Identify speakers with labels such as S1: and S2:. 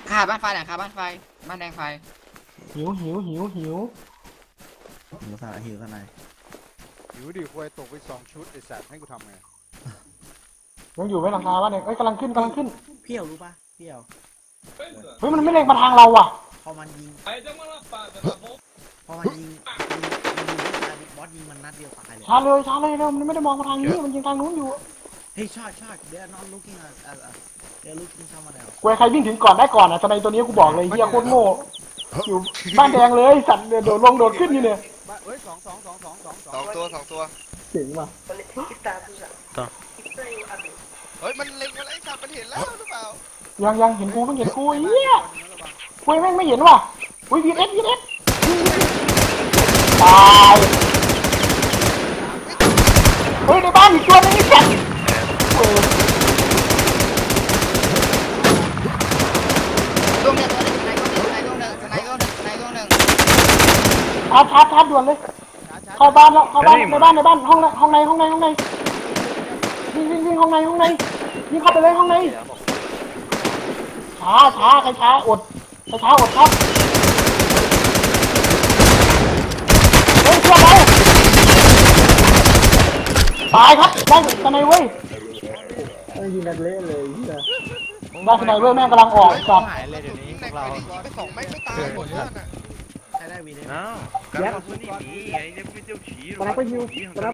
S1: ขาบ้านไฟหลังคาบ้านไฟบ้านแดงไฟ
S2: หิว
S3: สนายหิวสนาย
S4: หิวดิควยตกไป2 ชุดไอ้สัตว์ให้กูทำไง
S2: ยังอยู่ไหมหลังคาบ้านเนี่ยเอ้ยกำลังขึ้น
S3: เพี่ยวรู้ปะเพี่ยว
S2: เฮ้ยมันไม่เล็งมาทางเราว่ะ
S3: พอมันยิงบอสยิงมันนัดเดียวตายเลย
S2: ช้าเลยเร็วมันไม่ได้มองมาทางนี้มันยิงทางนู้นอยู่
S3: เฮ้ยชอดเดี๋ยวนอนลุกกิ้งเดี๋ยวลุกกิ้งเข้ามาแล้ว
S2: กูใครวิ่งถึงก่อนได้ก่อนอ่ะทนายตัวนี้กูบอกเลยเฮียโคตรโง่อยู่บ้านแดงเลยสัตว์โดดขึ้นนี่เนี่ย
S4: เฮ้ย2
S5: 2 ตัว
S2: เจ๋งว่ะ
S5: เฮ้ยมันเล็งอะไรสัตว์มันเห็นแล้วหรือเปล่า
S2: ยังเห็นกูเฮียกูแม่งไม่เห็นว่ะอุ้ยวีเอสตายเฮ้ยในบ้านอีกตัวนึงนี่สัตว์
S1: ดวงเนี่ยตัวนึงสไนก็หนึ่งสไนก็หนึ่ง
S2: ชาร์จด่วนเลยเข้าบ้านแล้วเข้าบ้านในบ้านห้องในวิ่งห้องในวิ่งเข้าไปเลยห้องในช้าใครช้าอดครับเฮ้ยเชื่อเราตายครับได้สไนเว้ยยิงกันเละเลยได้สไนเว้ยแม่งกำลังออกจับ
S5: หายเลยเดี๋ยวนี้พวกเรายิงไป2ไม่ตายหมดเลยน่ะ
S3: ใครได้วีเลย
S6: อ้าวการเอาพื้นที่หนีไงเนี่ยพี่เจ้าฉี